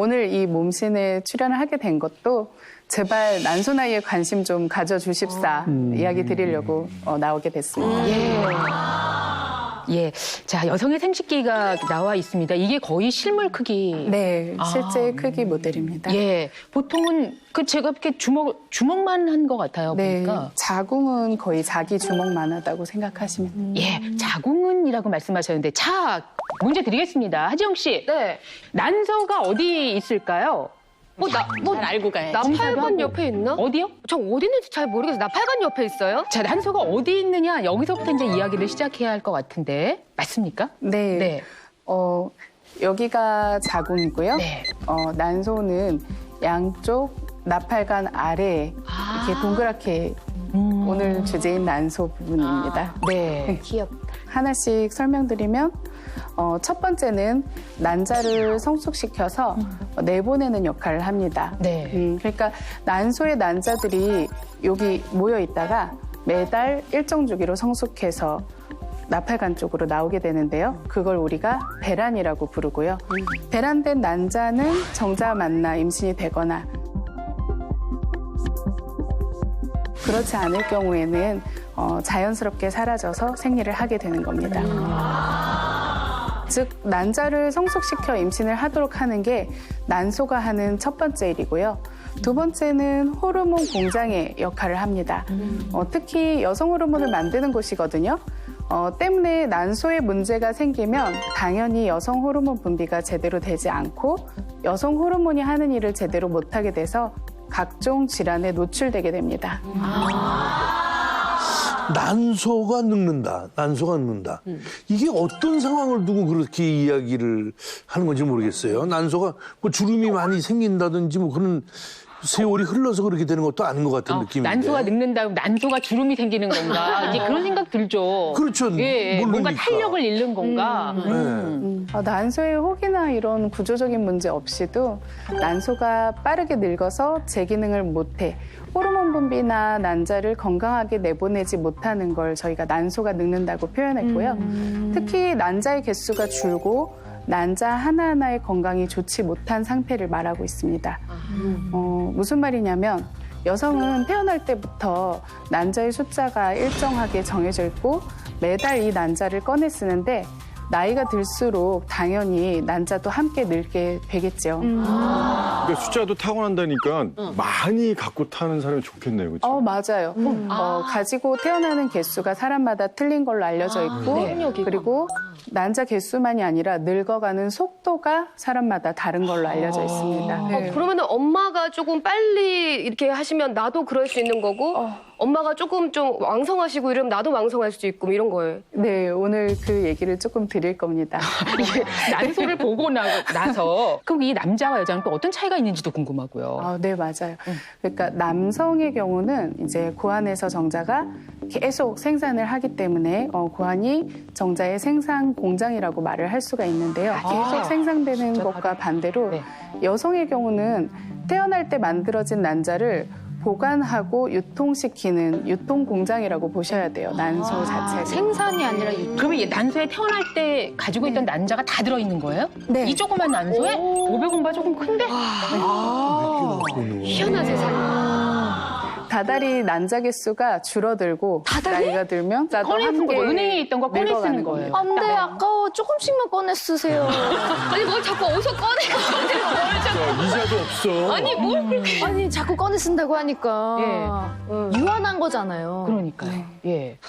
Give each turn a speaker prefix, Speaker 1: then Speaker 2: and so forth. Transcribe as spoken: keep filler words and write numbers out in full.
Speaker 1: 오늘 이 몸신에 출연을 하게 된 것도 제발 난소 나이에 관심 좀 가져주십사
Speaker 2: 음.
Speaker 1: 이야기 드리려고 어, 나오게 됐습니다.
Speaker 3: 예. 예. 자, 여성의 생식기가 나와 있습니다. 이게 거의 실물 크기.
Speaker 1: 네, 실제
Speaker 3: 아.
Speaker 1: 크기 모델입니다.
Speaker 3: 예. 보통은 그 제가 이렇게 주먹, 주먹만 한 것 같아요.
Speaker 1: 네,
Speaker 3: 보니까.
Speaker 1: 자궁은 거의 자기 주먹만 하다고 생각하시면 됩니다.
Speaker 3: 예. 자궁은이라고 말씀하셨는데. 자, 문제 드리겠습니다. 하지영 씨.
Speaker 4: 네.
Speaker 3: 난소가 어디 있을까요?
Speaker 4: 뭐, 나, 뭐,
Speaker 3: 알고 가야지.
Speaker 4: 나팔관 옆에 있나?
Speaker 3: 어디요?
Speaker 4: 저 어디 있는지 잘 모르겠어요. 나팔관 옆에 있어요?
Speaker 3: 자, 난소가 어디 있느냐, 여기서부터 이제 이야기를 시작해야 할 것 같은데, 맞습니까?
Speaker 1: 네,
Speaker 3: 네.
Speaker 1: 어, 여기가 자궁이고요.
Speaker 3: 네.
Speaker 1: 어, 난소는 양쪽 나팔관 아래에
Speaker 3: 아.
Speaker 1: 이렇게 동그랗게
Speaker 3: 음.
Speaker 1: 오늘 주제인 난소 부분입니다.
Speaker 3: 네.
Speaker 4: 귀엽다.
Speaker 1: 하나씩 설명드리면 어, 첫 번째는 난자를 성숙시켜서 어, 내보내는 역할을 합니다.
Speaker 3: 네.
Speaker 1: 음, 그러니까 난소의 난자들이 여기 모여 있다가 매달 일정 주기로 성숙해서 나팔관 쪽으로 나오게 되는데요. 그걸 우리가 배란이라고 부르고요. 배란된 난자는 정자 만나 임신이 되거나 그렇지 않을 경우에는 어, 자연스럽게 사라져서 생리를 하게 되는 겁니다. 즉 난자를 성숙시켜 임신을 하도록 하는 게 난소가 하는 첫 번째 일이고요. 두 번째는 호르몬 공장의 역할을 합니다. 어, 특히 여성 호르몬을 만드는 곳이거든요. 어, 때문에 난소에 문제가 생기면 당연히 여성 호르몬 분비가 제대로 되지 않고 여성 호르몬이 하는 일을 제대로 못하게 돼서 각종 질환에 노출되게 됩니다.
Speaker 2: 난소가 늙는다. 난소가 늙는다. 이게 어떤 상황을 두고 그렇게 이야기를 하는 건지 모르겠어요. 난소가 뭐 주름이 많이 생긴다든지 뭐 그런 세월이 흘러서 그렇게 되는 것도 아닌 것 같은
Speaker 3: 어,
Speaker 2: 느낌인데.
Speaker 3: 난소가 늙는다, 난소가 주름이 생기는 건가? 이제 그런 생각 들죠.
Speaker 2: 그렇죠.
Speaker 3: 예, 예. 뭔가
Speaker 2: 모르니까.
Speaker 3: 탄력을 잃는 건가?
Speaker 2: 네.
Speaker 1: 음, 어, 난소의 혹이나 이런 구조적인 문제 없이도 난소가 빠르게 늙어서 제 기능을 못해 호르몬 분비나 난자를 건강하게 내보내지 못하는 걸 저희가 난소가 늙는다고 표현했고요. 특히 난자의 개수가 줄고 난자 하나하나의 건강이 좋지 못한 상태를 말하고 있습니다. 어, 무슨 말이냐면 여성은 태어날 때부터 난자의 숫자가 일정하게 정해져 있고 매달 이 난자를 꺼내 쓰는데 나이가 들수록 당연히 난자도 함께 늙게 되겠죠.
Speaker 5: 그러니까 숫자도 타고난다니까 많이 갖고 타는 사람이 좋겠네요, 그렇죠?
Speaker 1: 어, 맞아요. 어, 가지고 태어나는 개수가 사람마다 틀린 걸로 알려져 있고
Speaker 3: 네.
Speaker 1: 그리고 난자 개수만이 아니라 늙어가는 속도가 사람마다 다른 걸로 알려져 있습니다. 네.
Speaker 4: 어, 그러면 엄마가 조금 빨리 이렇게 하시면 나도 그럴 수 있는 거고, 엄마가 조금 좀 왕성하시고 이러면 나도 왕성할 수 있고 뭐 이런 거예요.
Speaker 1: 네, 오늘 그 얘기를 조금 드릴 겁니다.
Speaker 3: 이게 난소를 보고 나, 나서 그럼 이 남자와 여자는 또 어떤 차이가 있는지도 궁금하고요.
Speaker 1: 아, 네, 맞아요. 그러니까 남성의 경우는 이제 고환에서 정자가 계속 생산을 하기 때문에 어, 고환이 정자의 생산 공장이라고 말을 할 수가 있는데요. 계속 생산되는 것과 반대로
Speaker 3: 네.
Speaker 1: 여성의 경우는 태어날 때 만들어진 난자를 보관하고 유통시키는 유통 공장이라고 보셔야 돼요. 난소 자체를.
Speaker 3: 생산이 아니라 그러면 이 난소에 태어날 때 가지고 있던 난자가 다 들어있는 거예요?
Speaker 1: 네.
Speaker 3: 이 조그만 난소에? 오백 원바 조금 큰데?
Speaker 4: 희한한 세상.
Speaker 1: 다달이 난자 개수가 줄어들고 나이가 들면 나도
Speaker 3: 꺼내 쓰는
Speaker 1: 함께
Speaker 3: 거죠. 은행에 있던 거 꺼내 쓰는
Speaker 1: 늙어가는
Speaker 3: 거예요.
Speaker 6: 안 돼, 아까워. 조금씩만 꺼내 쓰세요.
Speaker 4: 아니 뭘 자꾸 어디서 꺼내고 뭘 자꾸.
Speaker 5: 야, 이자도 없어.
Speaker 4: 아니 뭘 그렇게.
Speaker 6: 아니, 자꾸 꺼내 쓴다고 하니까. 유한한 거잖아요.
Speaker 3: 그러니까요. 예.